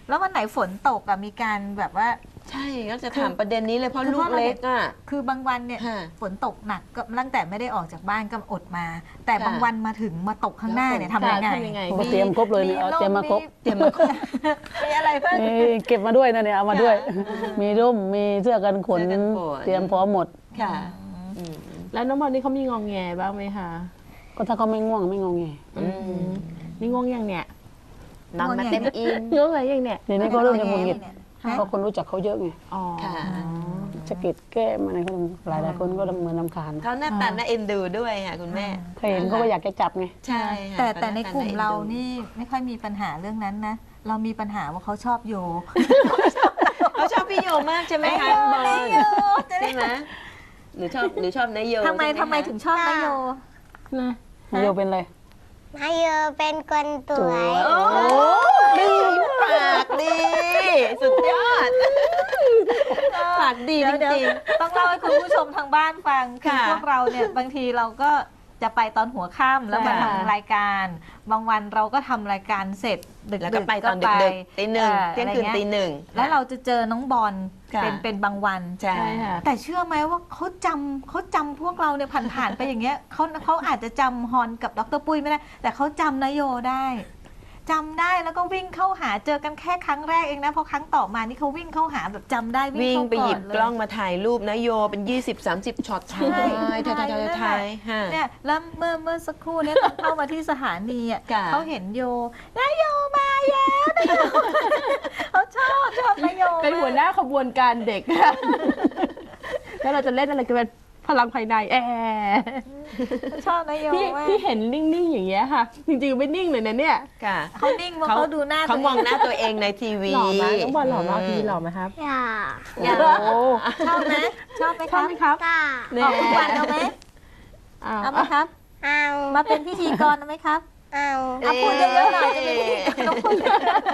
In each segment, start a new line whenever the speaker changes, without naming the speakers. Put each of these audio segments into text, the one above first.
แล้ววันไหนฝนตกอะมีการแบบว่า
ใช่ก็จะถามประเด็นนี้เลยเพราะลูกเล็กอ่ะ
คือบางวันเนี่ย
ค่ะ
ฝนตกหนักก็ตั้งแต่ไม่ได้ออกจากบ้านก็อดมา แต่
ค่ะ
บางวันมาถึงมาตกข้างหน้าเนี่ย
แล้ว
ทำยังไง
ทำยังไง
ก็เตรียมครบเลยเนี่ยเอาเตรียมมาครบ
เตรียมมาครบ
มีอะไรเพิ่ม
เก็บมาด้วยนะเนี่ยเอามาด้วย มีร่มมีเสื้อกันฝน
เสื้อกันฝน
เตรียมพร้อมหมด
ค่ะอืม
แล้วน้องบอลนี่เขามีงองแงบ้างไหมคะ
ก็ถ้าเขาไม่ง่วงไม่งอแง
นี่ง่วงยังเนี่ย
นอนมาเต็มอิ่ม
ง่วงอะไรยังเนี่ย
เดี๋ยวนี้ก็เริ่มจะหงุดหงิด
ฮะ
เพราะคนรู้จักเขาเยอะไง
อ๋อ
ค่ะ
สะกิดแก้มอะไรเขาหลายคนก็เหมือนรำคาญ
เขาหน้าตาน่าเอ็นดูด้วยค่ะคุณแม่
ถ้าเห็นเขาก็อยากจะจับไง
ใช่ค่ะ
แต่ในกลุ่ม
ขห
เรา
ตอ็ดู
นี่ไม่ค่อยมีปัญหาเรื่องนั้นนะ เรามีปัญหาว่าเขาชอบโย
เขาชอบพี่โยมากใช่ไหมคะบอลใช่ไหมหนูชอบนายโย
ทำไม
ใช่หคะ
ถึงชอบนายโย
นะ
นายโยเป็นอะไร
มาเยอเป็นคนสวย
โอ้ดีปากดีสุดยอดปากดีจ
เดี๋ยว
ริง
ต้องเล่าให้คุณผู้ชมทางบ้านฟังคือ
ค่ะ
พวกเราเนี่ยบางทีเราก็จะไปตอนหัวค่ำแล้วมาทำรายการ บางวันเราก็ทำรายการเสร็จดึก
ๆ
ๆ
แล้วก็ไปตอนดึกๆตีหนึ่งเที่ยงคืนตีหนึ่ง
แล้วเราจะเจอน้องบอล
ค่ะ
เป็นบางวัน
ใช่
ใช่ค่ะ
แต่เชื่อไหมว่าเขาจำพวกเราเนี่ยผ่านๆไปอย่างเงี้ยเขาอาจจะจำฮอนกับดรปุ้ยไม่ได้ แต่เขาจำนโยได้จำได้แล้วก็วิ่งเข้าหาเจอกันแค่ครั้งแรกเองนะเพราะครั้งต่อมานี่เขาวิ่งเข้าหาแบบจำได้
วิ่ง
เข้า
ไปหยิบ
นเ
กล้องมาถ่ายรูปนะโยเป็น 20-30 ช็อตถ่ายถ่ายฮะ
เนี่ยแล้วเมื่อสักครู่เนี่ยตอนเข้ามาที่สถานีอ่ะ
ค่ะ
เขาเห็นโยนายโยมาแล้วนายโยเขาชอบนายโย
เป็นหัวหน้าขบวนการเด็ก แล้วเราจะเล่นอะไรกันเป็นพลังภายใน
ชอบนายโย
ที่
มาก
ที่เห็นนิ่งๆอย่างเงี้ยค่ะ จริงๆไม่นิ่งเลยนะเนี่ย
ค่ะ
เขานิ่งเพราะเขาดูหน้า
เขา
ตัว
มองหน้าตัวเองในทีวี
หล่อไหมน้องบอลหล่อมากทีหล่อไหมครับ
อย่า
อยาก
โอ้
ชอบไหมชอบไหม
ช
ค
อบ
รับ
ไหมครับ
ตา
ออกทุกวันเอาไหม
อ้าว
เอาไหมครับ
เอา
มาเป็นพิธีกรเอาไหมครับ
เอา
เอาพูดเยอะๆหน่อยจะเป็นพิธีกรต้องพูดเยอะ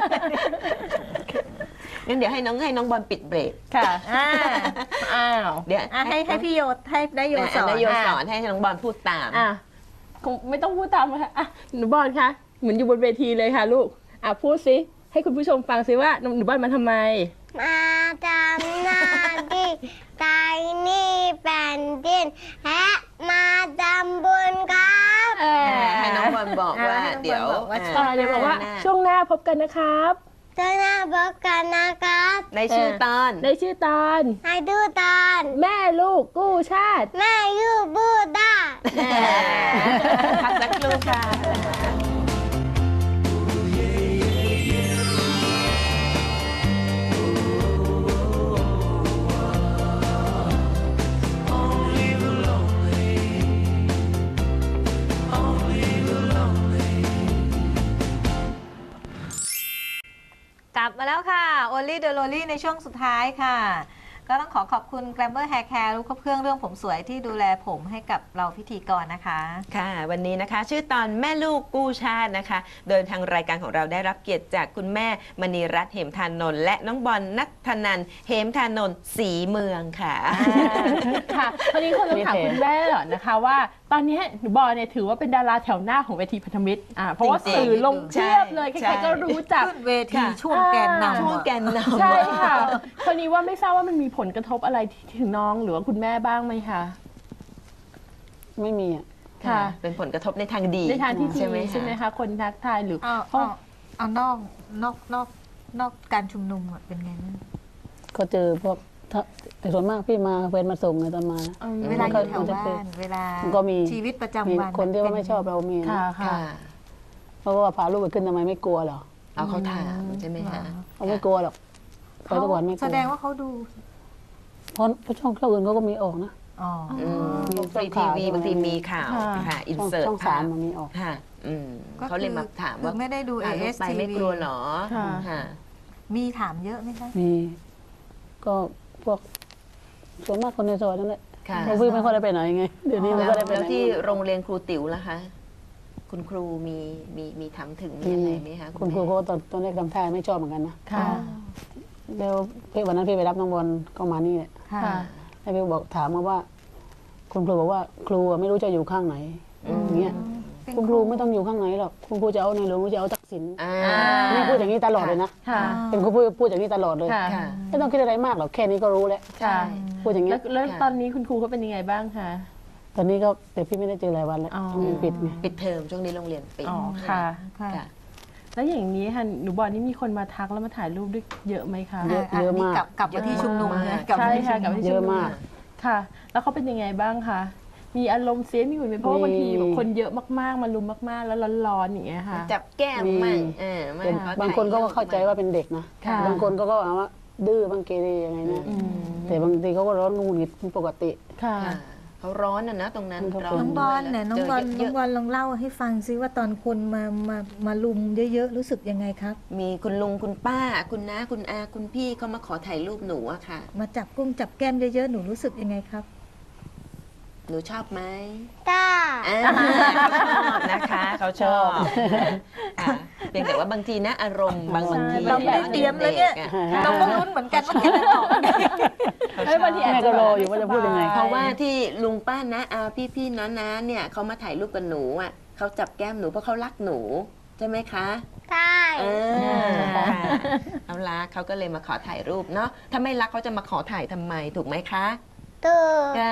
งั้นเดี๋ยวให้น้องบอลปิดเบรก
ค่ะ
อ่า
อ้าว
เดี๋ยว
ให้พี่โยให้นายโยสอน
นายโยสอนให้น้องบอลพูดตาม
อ่ะคงไม่ต้องพูดตามค่ะอ่ะหนูบอลคะเหมือนอยู่บนเวทีเลยค่ะลูกอ่ะพูดสิให้คุณผู้ชมฟังสิว่าหนูบอลมาทำไม
มาทำหน้าที่ใจนี่แผ่นดินและมาทำบุญครับ
ให้น้องบอลบอกว่าเดี๋ยว
เดี๋ยวบอกว่าช่วงหน้าพบกันนะครับ
เจ้าหน้าบอกกันนะครับ
ในชื่อตอน
ในชื่อตอน
ให้ดูตอน
แม่ลูกกู้ชาติ
แม่ยูบูด้า
พักสักครู่ค่ะ
กลับมาแล้วค่ะ Only the Lonely ในช่วงสุดท้ายค่ะ ก็ต้องขอบคุณ Glamour Hair Care รู้ครบเครื่องเรื่องผมสวยที่ดูแลผมให้กับเราพิธีกรนะคะ
ค่ะ วันนี้นะคะชื่อตอนแม่ลูกกู้ชาตินะคะ โดยทางรายการของเราได้รับเกียรติจากคุณแม่มณีรัตน์เหมทานนท์และน้องบอลนัทธนันท์เหมทานนท์ศรีเมืองค่ะ
ค่ะตอนนี้คนต้องถามคุณแม่เหรอนะคะว่าตอนนี้หนูบอลเนี่ยถือว่าเป็นดาราแถวหน้าของเวทีพันธมิตรเพราะว่า
จริงๆ
สื่อลงเทียบเลย
ใช่
ใครๆก็รู้จัก
ขึ้นเวทีช่วงแกนนำ
ช่วงแกนนำ
ใช่ค่ะคนนี้ว่าไม่ทราบว่ามันมีผลกระทบอะไรถึงน้องหรือว่าคุณแม่บ้างไหมคะ
ไม่มีอ่ะ
ค่ะ
เป็นผลกระทบในทางดี
ในทางที่ดี
ใช่ไหม
ใช่ไหมคะคนทักทายหรือ
เอานอกการชุมนุมอะเป็นไงบ้าง
ก็เจอพวกแต่ส่วนมากพี่มาเพื่อนมาส่งไงตอนมา
เวลาอยู่แถว
มันจะ
บ้า
เป็น
เวลา
มันก็มี
ชีวิตประ
มี
จำวัน
คนที่ว่าไม่ชอบเรามีนะ
ค่ะค่ะ
ค่ะ
เพราะว่าพาลูกไปขึ้นทำไมไม่กลัวเหรอ
เอาเขาถามใช่ไหมคะ
เขาไม่กลัวหรอกเขาทุกวันไม่กลัว
แสดงว่าเขาดู
เพราะช่องอื่นเขาก็มีออกนะ
อ๋อ
ฟรีทีวีบางทีมีข่าวค่ะอินเสิร์ต
ช่องสามมันมีออก
ค่ะเขาเลยมาถาม
คือ
ว่า
ไม่ได้ดู
พาลูก
AS
ไปไม่กลัวเหรอค่ะ
มีถามเยอะไหมคะ
มี ก็พวกส่วนมากคนในซอยนั่นแหละ
ค่ะ
เพราะพี่ไม่ค่อยได้ไปไหนไงเดี๋ยวนี้ไม่
แล้ว
ค่อยได้ไป
แล้ว
ไหน
ที่โรงเรียนครูติ๋วล่ะคะ คุณครูมีถามถึงมีอะไรไหมคะ
คุณครู
แม่
เขาตอนแรกทำท่าไม่ชอบเหมือนกันนะ
ค่ะ
แล้ววันนั้นพี่ไปรับน้องบอลก็มานี่แหละ
ค่ะ
ค่ะ
ให้พี่บอกถามมาว่า คุณครูบอกว่าครูไม่รู้จะอยู่ข้างไหนอย่างเงี้ย คุณครูไม่ต้องอยู่ข้างไหนหรอกคุณครูจะเอาในหลวงหรือจะเอาษิณ
อ่า
แม่พูดอย่างนี้ตลอดเลยนะ
ค่ะ
เป็นคนพูดอย่างนี้ตลอดเลย
ค่ะ
ค่ะ
ไม่ต้องคิดอะไรมากหรอกแค่นี้ก็รู้แล้ว
ค่ะ
พูดอย่างนี้
แล้วตอนนี้คุณครูเขาเป็นยังไงบ้างคะ
ตอนนี้ก็แต่พี่ไม่ได้เจอหลายวันแล้ว
อ๋อ
มันปิดไง
ปิดเทอมช่วงนี้โรงเรียนปิด
อ๋อค่ะ
ค่ะ
ค่ะ
แล้วอย่างนี้ค่ะหนูบอกนี่มีคนมาทักแล้วมาถ่ายรูปด้วยเยอะไหมคะ
เยอะ
นนี้
มาก
กลับมาที่ชุมนุม
เยอะมาก
นะกลับ
ใช่
มาที่
ค่ะ
ชุม
กับ
นุม
ที่
เย
ชุ
อะ
มนุม
มาก
ค่ะ แล้วเขาเป็นยังไงบ้างคะมีอารมณ์เสียมีหุ่นไหมเพราะว่าบางทีแบบคนเยอะมากๆมารุมมากๆ แล้วร้อนๆอย่างเงี้ยค่ะ
จับแก้มมั่งมั่
เป็น
ขอถ่ย
บางคนก็เข้าใจว่าเป็นเด็กนะ
ค่ะ
บางคนก็เอาว่าดื้อบางเกเรยังไงนะ
อืม
แต่บางทีเขาก็ร้อนงูหงิดเป็นปกติ
ค่ะ
ค่ะเขาร้อนนะตรงนั้น
เขา
ร้
เป็น
น้องบอลเนี่ยน้องบอล
เจ
น้อง
เยะ
บอลลองเล่าให้ฟังซิว่าตอนคนมาลุมเยอะๆรู้สึกยังไงครับ
มีคุณลุงคุณป้า คุณน้าคุณอาคุณพี่เขามาขอถ่ายรูปหนูอะค่ะ
มาจับกุ้งจับแก้มเยอะๆหนูรู้สึกยังไงครับ
หนูชอบไหม
จ้า
เขาชอบนะคะเขาชอบค่ะเพียงแต่ว่าบางทีนะอารมณ์บางที
เราไม่ได้เตรียมเลยเนี่ย
ด็กๆอะ
เราก็ลุ้นเหมือนกันว่าแกจะตอบยังไง
เอ้ยบางทีอาจ
แม่
จะ
ก็รออยู่ว่าจะพูดยังไง
เพราะว่าที่ลุงป้านะอาพี่ๆน้าๆเนี่ยเขามาถ่ายรูปกับหนูอ่ะเขาจับแก้มหนูเพราะเขารักหนูใช่ไหมคะ
ใช่
ค่ะเขารักเขาก็เลยมาขอถ่ายรูปเนาะถ้าไม่รักเขาจะมาขอถ่ายทำไมถูกไหมคะ
ตื่น
ค่ะ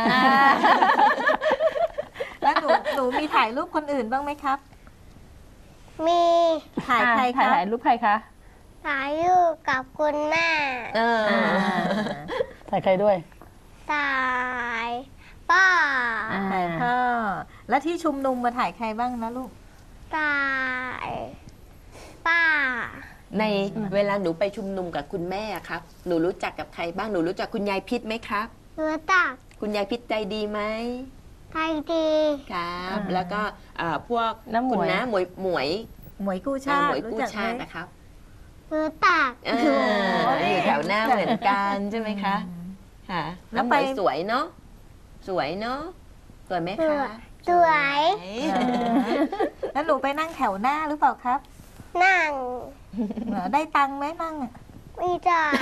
แล้วหนูมีถ่ายรูปคนอื่นบ้างไหมครับ
มี
ถ่ายใครค
ถ่า
รับ
ยรูปใครคะ
ถ่ายรูปกับคุณแม่
เออ
ถ่ายใครด้วย
ถ่ายป้า
ถ่ายพ่อแล้วที่ชุมนุมมาถ่ายใครบ้างนะลูก
ถ่ายป้า
ในเวลาหนูไปชุมนุมกับคุณแม่อะครับหนูรู้จักกับใครบ้างหนูรู้จักคุณยายพิษไหมครับ
รู้จัก
คุณยายพิษใจดีไหม
ไทยดี
ครับ แล้วก็พวก
น้าหมวย
คุณน้าหมวยหมวย
หมวยกู้ชา
หม
ติ
วย
รู้
กู้
จัก
ชา
ไหม
ตินะครับ
รู้จัก
อยู่แถวหน้าเหมือนกันใช่ไหมคะค่ะ
แล้ว
น้ำห
ไป
มวยสวยเนาะสวยเนาะสวยไหมคะ
สวย
แล้วหนูไปนั่งแถวหน้าหรือเปล่าครับ
นั่ง
ได้ตังค์ไหมนั่งอะ
ไม่จ่าย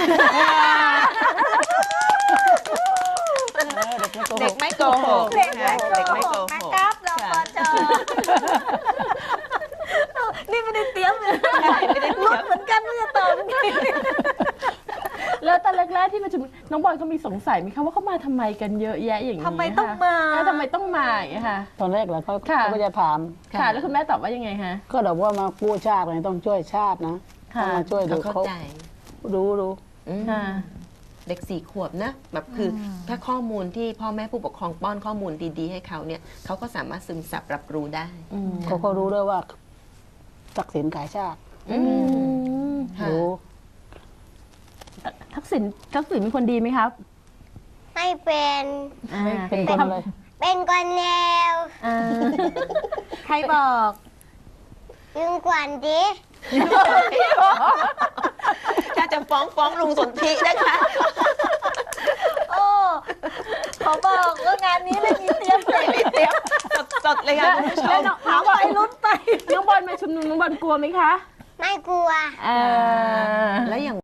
เด็กไม่โกหก
เด็กไม่
เด็ก
โก
ไม่
ห
โก
ก
ห
นะ
ก
ครับเราปจนี่ไม่ได้เตรียมเลยลุ้นเหมือนกันว่าจะตอบยังไง
แล้วตอนแรกๆที่ประชุมน้องบอลเขามีสงสัยไหมคะว่าเขามาทำไมกันเยอะแยะอย่างนี้
ทำไมต้องมา
ทำไมต้องมาอย่างเงี้ยค่ะ
ตอนแรกเหรอเขา
ค่ะ
ก็จะถาม
ค่ะ แล้วคุณแม่ตอบว่ายังไงคะ
ก็บอกว่ามากู้ชาติไงต้องช่วยชาตินะ
ค่ะ
ต้องมาช่วยดู
เขาเข้า
เขา
ใจ
รู้
อืม
ค่ะ
เด็ก4 ขวบนะแบบคืออถ้าข้อมูลที่พ่อแม่ผู้ปกครองป้อนข้อมูลดีๆให้เขาเนี่ยเขาก็สามารถซึมซับรับรู้ได้
อืม
เขาก็รู้ด้วยว่าทักษิณขายชาติ
อืม ค่ะ
รู้
ทักษิณเป็นคนดีไหมครับ
ไม่เป็น
เป็นคนอะไร
เป็นคนแนว
อ่า
ใครบอก
ยุงกวนดิ
ถ้าจะฟ้องลุงสนธินะคะ
โอ้เขาบอกว่างานนี้ไม่มีเตรียมเลย
เตรียมสดๆเลยค่ะคุณผู้ช
แล้ว
ม
น้อง
ถามไปลุ้นไป
น้องบอลมาชุมนุมน้องบอลกลัวไหมคะ
ไม่กลัว
อ่า
แล้วอย่าง